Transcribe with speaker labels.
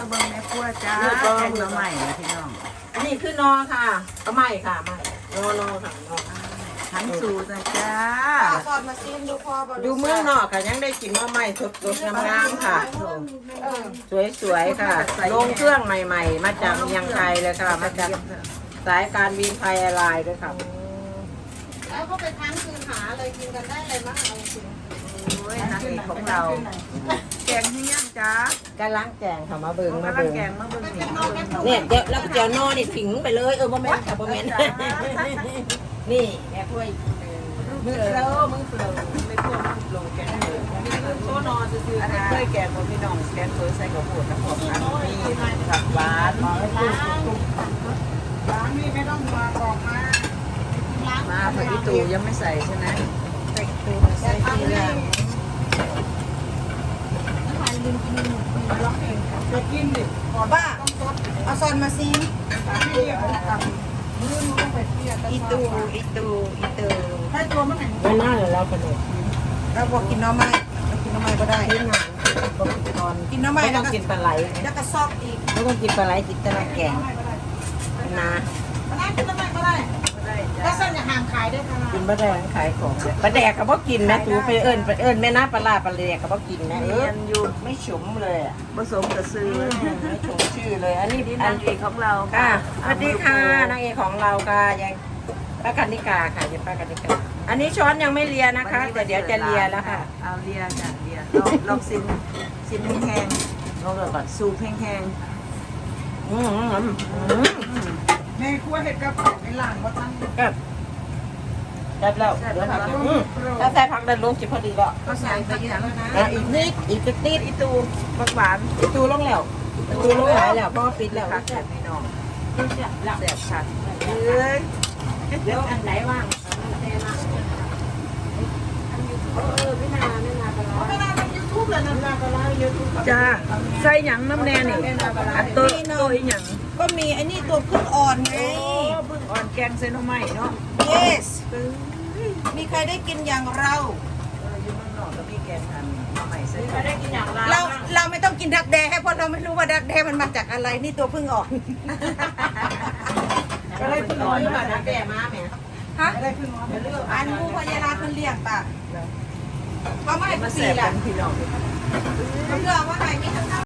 Speaker 1: เบิ่งแม่ครัวจ้าแกงมาใหม่เลยพี่น้อง
Speaker 2: อันนี้คือนอค่ะก็ไม่ค่ะไม่นอค่ะนอ
Speaker 1: ทั้งสูตรนะจ้า
Speaker 3: สอดมาซิมดูพอบ่
Speaker 2: ดูเมืองนอกค่ะยังได้กินหม้อไหม้สดๆงามๆค่ะ สวยๆค่ะ ลงเครื่องใหม่ๆ มาจากเมียงไทยเลยค่ะ มาจากสายการบินไทยแอร์ไลน์ด้วยค่ะ
Speaker 3: แล้วก็ไปค้างคืนหาเลยกินกันได้เลยมั้งเอาจริง
Speaker 1: โอ้ยนางเอกของเรา แกงที่ย่างจ้าก
Speaker 2: ำลังแกงค่ะมาเบิ่งมา
Speaker 1: กำลัง
Speaker 2: เบิ่ง
Speaker 1: แกงมาเบิ่งนี่
Speaker 2: เนี่ยเดี๋ยวแล้วก็เจียวนอนี่ถิงไปเลยโมเมนต์ค่ะโมเมนต์นี่แม่ถ้วยมือเปล่ามือเปล่าไม่พวกมือเปล่าแกงเปล่านี่คือโซนอซื่อ
Speaker 1: อัน
Speaker 2: ๆ
Speaker 1: นี้
Speaker 2: ค่ะ
Speaker 1: เคยแกงของพี่น้องแกงเคยใส่กับโขดกับผมอันนี้ผักหวาน
Speaker 3: ล้างนี่ไม่ต้องมาบอกมาล้าง
Speaker 1: มาผักอีตูยังไม่ใส่ใช่ไหม
Speaker 3: ใส่เกลือใส่เกลือทานลืมกินหมูร้องเองจะกินดิก่อนบ้าเอาซอนมาซิมอีตูให้ตัวมันไหน
Speaker 2: ไม่น่าเลยเรากระโดด
Speaker 3: เราบอกกินน้ำไม้เรากินน้ำไม้ก็ได้
Speaker 2: ที่งานก็กินนอน
Speaker 3: กินน้ำไม้
Speaker 2: ไม่
Speaker 3: แล้
Speaker 2: ต้
Speaker 3: ว
Speaker 2: อง
Speaker 3: ก็
Speaker 2: กินปลาไหล
Speaker 3: แล้วก็ซอกอีก
Speaker 2: ไม่ต้องกินปลาไหลกินแต่น้ำแกงนะ
Speaker 3: มาได้กินน้ำไม้ก็ได้ถ้าเส้นอย่าห่างขายได้ค่ะ
Speaker 2: กินปลาแดงขายของปลาแดกก็บ่กินนะตูไปเอิญแม่น้าปลาปลาแดกก็บ่กินนะ
Speaker 1: เรียนอยู่
Speaker 2: ไม่ฉุมเลยอ่ะ
Speaker 1: ผสมกับซื้อ
Speaker 2: ไม่ฉุมชื่อเลย อันนี้
Speaker 1: นี่
Speaker 2: อั
Speaker 1: นาน งเอกของเรา
Speaker 2: ค่ะสวัสดีค่ะนางเอกของเราค่ะยังป้ากันนิกาค่ะยังป้ากันนิกาอันนี้ช้อนยังไม่เลียนะคะแต่เดี๋ยวจะเลียแล้วค่ะ
Speaker 1: เอาเลียจ้ะเลียลองซิมแห้ง
Speaker 2: ลองเลยก่อน
Speaker 1: ๆสูบแห้ง
Speaker 2: อืม
Speaker 3: แม่ครัวเห็ดกระเพราในหลังว่าตั้ง
Speaker 2: ก็ได้แล้วเดี๋ยวผักถ้าใส่ผักดันลงจิพอดีแล้ว
Speaker 3: ก็ใส่ไปอย่างนั้นนะ
Speaker 2: อีกนิดอีกนิด
Speaker 1: ๆอีตูบักหวาน
Speaker 2: ตูลงแล้วตูลงหลายแล้วเพราะว่าปิดแล้ว
Speaker 1: ค่ะแซ่บพี่น้อง
Speaker 2: แซ่บ
Speaker 1: แซ่บค่ะเอ้ย
Speaker 2: เดี๋ยวอันไหนว่างไม่นานปลา
Speaker 3: ไม่น่าเป็นยูทูบเลยนะ
Speaker 2: ปลายูทูบ
Speaker 1: จ้าใส่หยังน้ำแน่นี่อันโตอีหยัง
Speaker 3: ก็มีไอ้นี่ตัวพึ่งอ่อนไง
Speaker 1: โอ้เพิ่งอ่อนแกงเซโนไม้เนาะ
Speaker 3: yes มีใครได้กินอย่างเรา
Speaker 1: อยู่เมืองนอกก็มีแกงอันใหม่เซโน
Speaker 2: ไม่ได้กินอย่างไร
Speaker 3: เราไม่ต้องกินดักแด้เพราะเราไม่รู้ว่าดักแด้มันมาจากอะไรนี่ตัวพึ่งอ่อน
Speaker 2: ก็ได้พึ่งอ่อนมานะแก่มาแม่
Speaker 3: ฮะอันมูพยาราคนเลี้ยงป่ะเขาไม่ให้
Speaker 1: มา
Speaker 3: ปี
Speaker 1: แซ่บ
Speaker 3: ละ
Speaker 1: กันพี่น้อง
Speaker 3: เขาเลือกว่าไหนมีทั้ง